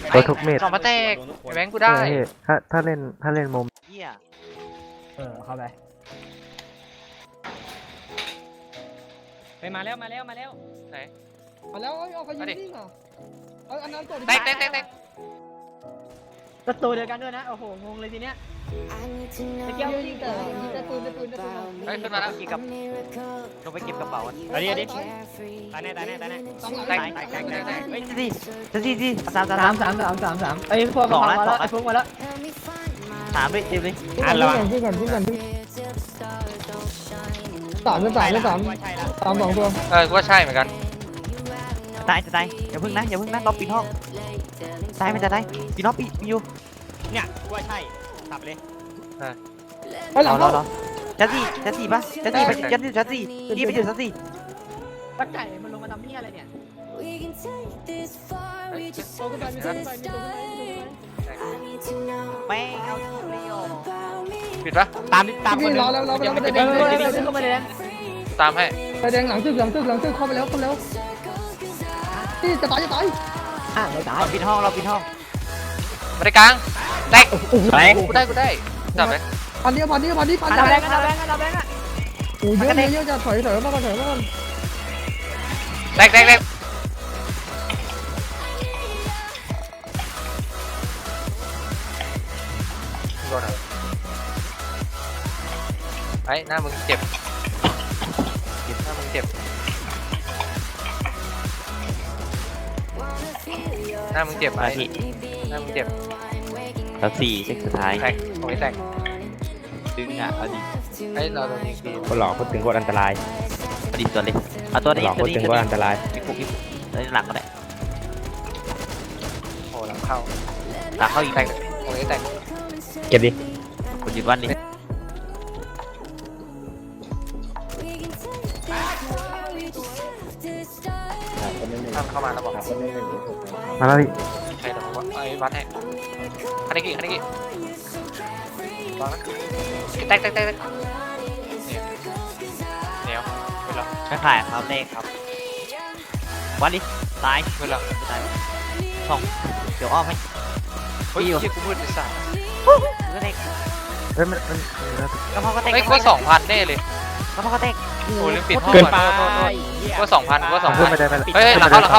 ตัวทุกเม็ดสองมาแตกแบงค์กูได้ถ้าเล่นมุมเหี้ยเข้าไปไปมาแล้วไหนมาแล้วเอาไปยิงนี่เหรออันนั้นตัวแตกประตูเดียวกันด้วยนะโอ้โหงงเลยทีเนี้ยตะเกียบยิงแต่ยิงแต่ปืนเฮ้ยขึ้นมาแล้วกี่กับลงไปเก็บกระเป๋ากันเอาดิเอาดิตายแน่สองหลังแตกเฮ้ยสิสามไอ้พวกมาแล้วไอ้พวกมาแล้วสามด้วยเต็มเลยอ่านระวังพูดก่อนสามสองตัวกูว่าใช่เหมือนกันตายอย่าพึ่งนะรอปิดห้องตายมันจะตายปิดห้องปิดอยู่เนี่ยกูว่าใช่ตับเลยไอ้หลังเขารอจัดสี่ปะจัดสี่ไปจัดสี่นี่ไปอยู่จัดสี่ตะไก่มันลงมาทำเหี้ยอะไรเนี่ยตัวขึ้นไปมีตัวขึ้นไปแม่งเอาเลยโอปิดปะตามคนนี่นึงรอแล้วไม่ได้เดินเข้ามาเลยนะตามให้ไปแดงหลังตึกเข้าไปแล้วนี่จะตายไม่ตายเราปิดห้องมาได้กลางแตกไปกูได้จับเลยพันเดียวเอาแบงค์อ่ะโอ้เยอะจะถอยมาก่อนแตกโดนไอ้หน้ามึงเจ็บหน้ามึงเจ็บหน้ามึงเจ็บมาที่หน้ามึงเจ็บจัดสี่เช็คสุดท้ายแตกตรงนี้แตกดึงอ่ะเอาดิไอ้เราโดนยิงปีนคนหลอกคนถึงคนอันตรายเอาดิตัวเลยเอาตัวนี้หลอกคนถึงคนอันตรายอีกปุ๊บหลังก็ได้โอ้หลังเข้าตาเข้าอีกแตกตรงนี้แตกเก็บดิคนยืนวันนี้ข้ามเข้ามาแล้วบอกมาแล้วพี่ใครต้องไอ้วัดให้คันนี้กี่วางนะแตกเหนียวไปแล้วไม่ขายครับเลขครับวันนี้ตายไปแล้วตายสองเดี๋ยวอ้อมให้เฮ้ยที่กูมืดไปสั่งก็เด็กมันกระเพาะก็เด็กไอ้กู2,000แน่เลยกระเพาะก็เด็กโอ้ลืมปิดห้องเกินก่ไปอนกูว่า2,000กูว่าพูดไม่ 2,000 ได้ไปเฮ้ยหลังเข้า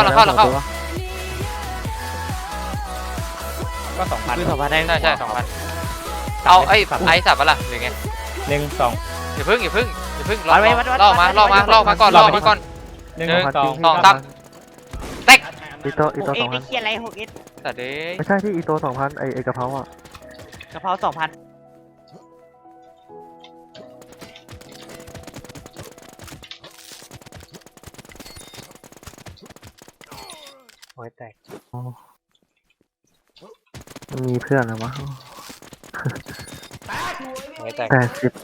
ก็2,000 คือสองพันได้ใช่2,000เอาไอ้สับปะล่ะหรือไง 1 2 อย่าพึ่งล่อมาก่อน1 2 3แตกอีโตหกเอ็ก 2,000 ไม่เขียนอะไรหกเอ็กแต่เด้ไม่ใช่ที่อีโต2,000ไอ้กระเพราอ่ะกระเพรา2,000 โอ้ยแตกมันมีเพื่อนแล้ววะโอ้ยแตก